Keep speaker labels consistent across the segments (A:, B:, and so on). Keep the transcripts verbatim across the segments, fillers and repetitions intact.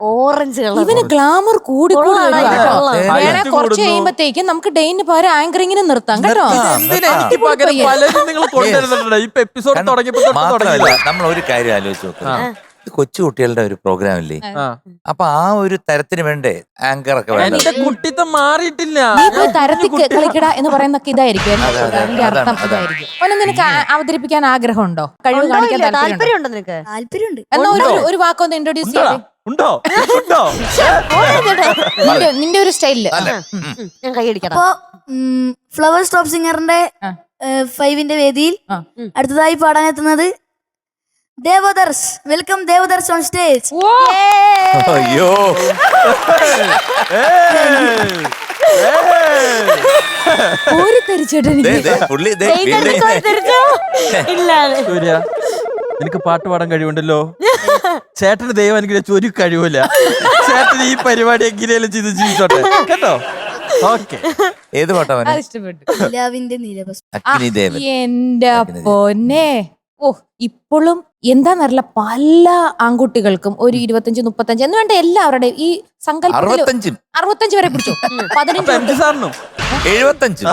A: Orange colour.
B: ഇവന് glamour കൂടി വേണേ കുറച്ച് കഴിയുമ്പത്തേക്കും നമുക്ക് ഡെയിന് പകരം ആങ്കറിങ്ങിന് നിർത്താം കേട്ടോ.
C: നമ്മൾ ഒരു കാര്യം ആലോചിച്ച് നോക്കാം, കൊച്ചു കുട്ടികളുടെ ഒരു പ്രോഗ്രാം ഇല്ലേ, അപ്പൊ ആ ഒരു തരത്തിന് വേണ്ടേ ആങ്കർ ഒക്കെ വേണ്ടത്.
D: കുട്ടിത്തം മാറിയിട്ടില്ല.
B: നീ പോയി തരത്തിൽ കളിക്കട എന്ന് പറയുന്നൊക്കെ ഇതായിരിക്കും അതിന്റെ അർത്ഥം ഇതായിരിക്കും. അവനെ നിനക്ക് അവതരിപ്പിക്കാൻ ആഗ്രഹമുണ്ടോ? കഴിവ് കാണിക്കാൻ
A: താല്പര്യമുണ്ടോ നിനക്ക്? താല്പര്യമുണ്ട്.
B: എന്നാ ഒരു ഒരു വാക്കൊന്ന് ഇൻട്രോഡ്യൂസ് ചെയ്യേ.
D: ഉണ്ടോ?
B: നിന്റെ ഒരു സ്റ്റൈലില്
A: ഞാൻ കൈയടിക്കണം.
E: അപ്പോ ഫ്ലവർ സ്റ്റോപ്പ് സിംഗറിന്റെ ഫൈവിന്റെ വേദിയിൽ അടുത്തതായി പാടാനെത്തുന്നത് Devadarsh. Welcome Devadarsh on stage.
C: അയ്യോ
D: സൂര്യ, നിനക്ക് പാട്ട് പാടാൻ കഴിവുണ്ടല്ലോ. ചേട്ടന് ദൈവം അനുഗ്രഹിച്ച ഒരു കഴിവില്ല. ചേട്ടന് ഈ പരിപാടി എങ്ങനെയാലും ചെയ്ത് ജീവിച്ചോട്ടെ കേട്ടോ. ഓക്കെ,
C: ഏത് പാട്ടാ
B: ഇഷ്ടപ്പെട്ടു?
C: എന്റെ
B: പൊന്നെ, ഓ ഇപ്പോഴും എന്താന്നറിയില്ല, പല ആൺകുട്ടികൾക്കും ഒരു ഇരുപത്തഞ്ച് മുപ്പത്തഞ്ച് എന്ന് വേണ്ട എല്ലാവരുടെയും ഈ സങ്കല്പത്തിൽ അറുപത്തഞ്ച് വരെ പിടിച്ചു. പതിനഞ്ച്
D: സാറിനും
C: എഴുപത്തഞ്ച്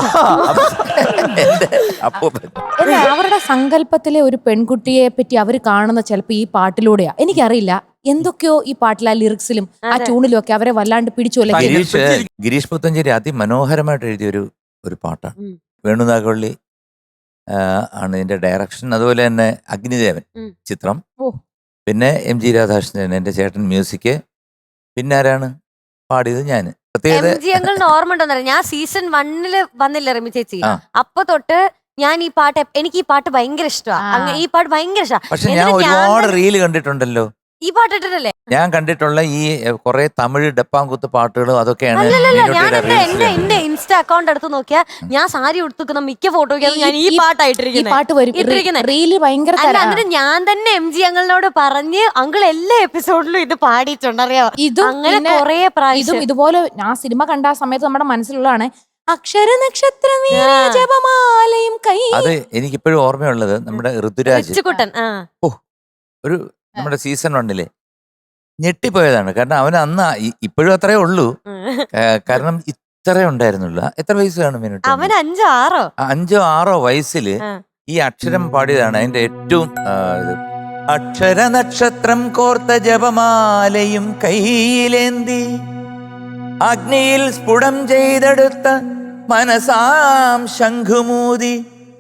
B: അവരുടെ സങ്കല്പത്തിലെ ഒരു പെൺകുട്ടിയെ പറ്റി അവർ കാണുന്ന ചിലപ്പോ ഈ പാട്ടിലൂടെയാ. എനിക്കറിയില്ല, എന്തൊക്കെയോ ഈ പാട്ടിലെ ആ ലിറിക്സിലും ആ ട്യൂണിലും ഒക്കെ അവരെ വല്ലാണ്ട് പിടിച്ചു.
C: ഗിരീഷ് ഗിരീഷ് പുത്തഞ്ചേരി അതിമനോഹരമായിട്ട് എഴുതിയ ഒരു ഒരു പാട്ടാണ്. വേണുനാഗവള്ളി ആണ് ഇതിന്റെ ഡയറക്ഷൻ. അതുപോലെ തന്നെ അഗ്നിദേവൻ ചിത്രം, പിന്നെ എം ജി രാധാകൃഷ്ണൻ എന്റെ ചേട്ടൻ മ്യൂസിക്, പിന്നെ ആരാണ് പാടിയത്? ഞാന്.
A: പ്രത്യേകത ഓർമ്മ ഉണ്ടോ? ഞാൻ സീസൺ വണ്ണില് വന്നില്ല റമി ചേച്ചി, അപ്പൊ തൊട്ട് ഞാൻ ഈ പാട്ട്, എനിക്ക് ഈ പാട്ട് ഭയങ്കര ഇഷ്ടമാണ്. ഈ പാട്ട് ഭയങ്കര ഇഷ്ടമാണ്.
C: പക്ഷെ ഞാൻ ഒരുപാട് റീല് കണ്ടിട്ടുണ്ടല്ലോ.
A: ഈ പാട്ട് ഇട്ടിട്ടല്ലേ
C: ഞാൻ കണ്ടിട്ടുള്ള ഈ കുറെ തമിഴ് ഡപ്പാങ്കുത്ത് പാട്ടുകളും അതൊക്കെയാണ്.
A: എന്റെ ഇൻസ്റ്റ അക്കൗണ്ട് എടുത്ത് നോക്കിയാ ഞാൻ സാരി ഉടുത്തുക്കുന്ന മിക്ക ഫോട്ടോയ്ക്ക് ഞാൻ ഈ പാട്ടായിട്ടിരിക്കുന്നത്. ഞാൻ തന്നെ എം ജി അങ്കിളിനോട് പറഞ്ഞ് അങ്കിൾ എല്ലാ എപ്പിസോഡിലും ഇത് പാടിയിട്ടുണ്ട്, അറിയാം. അങ്ങനെ കുറെ പ്രാവശ്യം
B: ഇതുപോലെ ഞാൻ സിനിമ കണ്ട ആ സമയത്ത് നമ്മുടെ മനസ്സിലുള്ളതാണ് അക്ഷര നക്ഷത്ര ജപമാലയും കൈ.
C: അത് എനിക്കിപ്പോഴും ഓർമ്മയുള്ളത് നമ്മുടെ ഋതുരാജ്
A: കുട്ടൻ
C: ഓ ഒരു നമ്മുടെ സീസൺ വണ്ണില് ഞെട്ടിപ്പോയതാണ്. കാരണം അവൻ അന്ന് ഇപ്പോഴും അത്രേ ഉള്ളൂ, കാരണം ഇത്രേ ഉണ്ടായിരുന്നുള്ളൂ. എത്ര വയസ്സ് കാണും മിനിറ്റ്?
A: അവൻ അഞ്ചോ ആറോ
C: അഞ്ചോ ആറോ വയസ്സില് ഈ അക്ഷരം പാടിയതാണ് അതിന്റെ ഏറ്റവും ഇത്. അക്ഷര നക്ഷത്രം കോർത്ത ജപമാലയും കയ്യിലേന്തി അഗ്നിയിൽ സ്ഫുടം ചെയ്തെടുത്ത മനസാം ശംഖുമൂതി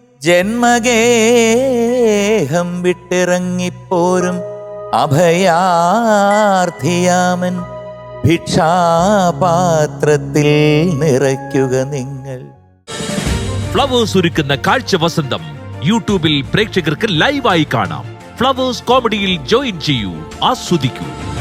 C: ജന്മഗേഹം വിട്ടിറങ്ങിപ്പോരും അഭയാർത്ഥിയാമൻ ഭിക്ഷാപാത്രത്തിൽ നിറയ്ക്കുക നിങ്ങൾ.
F: ഫ്ലവേഴ്സ് ഒരുക്കുന്ന കാഴ്ച വസന്തം യൂട്യൂബിൽ പ്രേക്ഷകർക്ക് ലൈവായി കാണാം. ഫ്ലവേഴ്സ് കോമഡിയിൽ ജോയിൻ ചെയ്യൂ, ആസ്വദിക്കൂ.